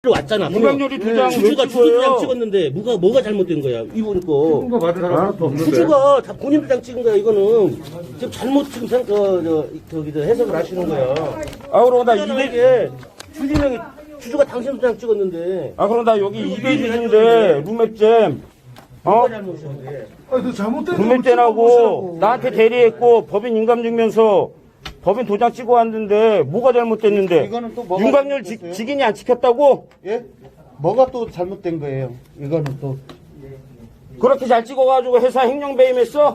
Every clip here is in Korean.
왔잖아. 윤곽열이 두 장 주주가 주주장 찍었는데 뭐가 잘못된 거야? 이번 거. 거 받은 사람 하나도 없는데. 주주가 다 본인 주장 찍은 거야. 이거는 지금 잘못 지금 해석을 하시는 거야. 아, 그럼 나 이게 주주가 당신 주장 찍었는데. 아, 그럼 나 여기 200일인데 룸맵잼. 뭐가 잘못이야? 너 잘못된 룸맵잼하고 나한테 대리했고 법인 인감증명서 법인 도장 찍어 왔는데 뭐가 잘못됐는데? 이거는 또 뭐가 윤곽열 잘못됐어요? 직인이 안 지켰다고? 예? 뭐가 또 잘못된 거예요? 이거는 또. 그렇게 잘 찍어가지고 회사 횡령 배임했어?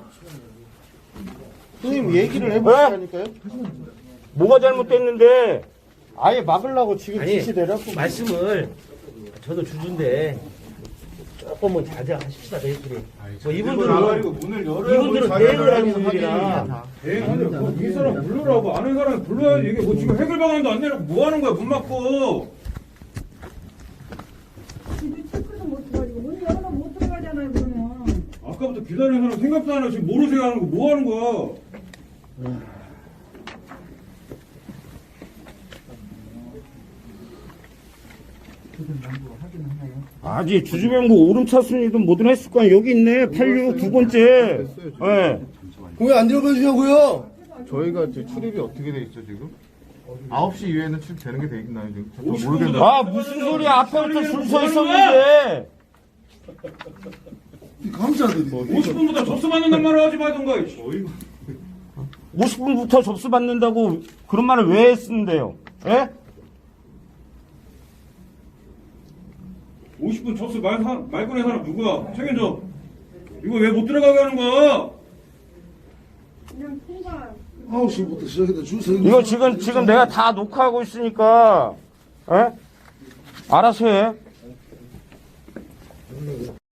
형님 얘기를 해보시라니까요? 뭐가 잘못됐는데? 아예 막으려고 지금 아니, 지시대라고. 말씀을 저도 주주인데 조금은 자제하십시다 저희끼리. 뭐 이분들은 대응을 하는 분들이라. 이 사람 불러라고 아는 사람 불러야지. 이게 뭐 지금 해결 방안도 안 내놓고 뭐 하는 거야? 문 막고. 체크도 못 들어가지고 문 열어놓으면 못 들어가잖아요 그러면. 아까부터 기다리는 사람 생각도 안 하고 지금 모르세요 하는 거 뭐 하는 거야? 아직 주주명부 오름차순위도 뭐든 했을 거야. 여기 있네. 86 두 번째. 예. 왜 안 들어가 주냐고요? 저희가 지금 출입이 어떻게 돼 있죠 지금? 9시 이후에는 출입되는 게 돼 있나요 지금? 저 50분 모르겠는데. 아, 무슨 소리야. 앞에부터 줄 서 있었는데. 감사들이 50분보다 접수 받는단 말을 하지 말던가. 50분부터 접수 받는다고 그런 말을 왜 했는데요? 예? 50분 접수 말고낸 사람 누구야? 책임져. 이거 왜 못 들어가게 하는 거야? 그냥 통과. 9시부터 시작해서 줄 서. 이거 지금 내가 다 녹화하고 있으니까, 예? 알아서 해.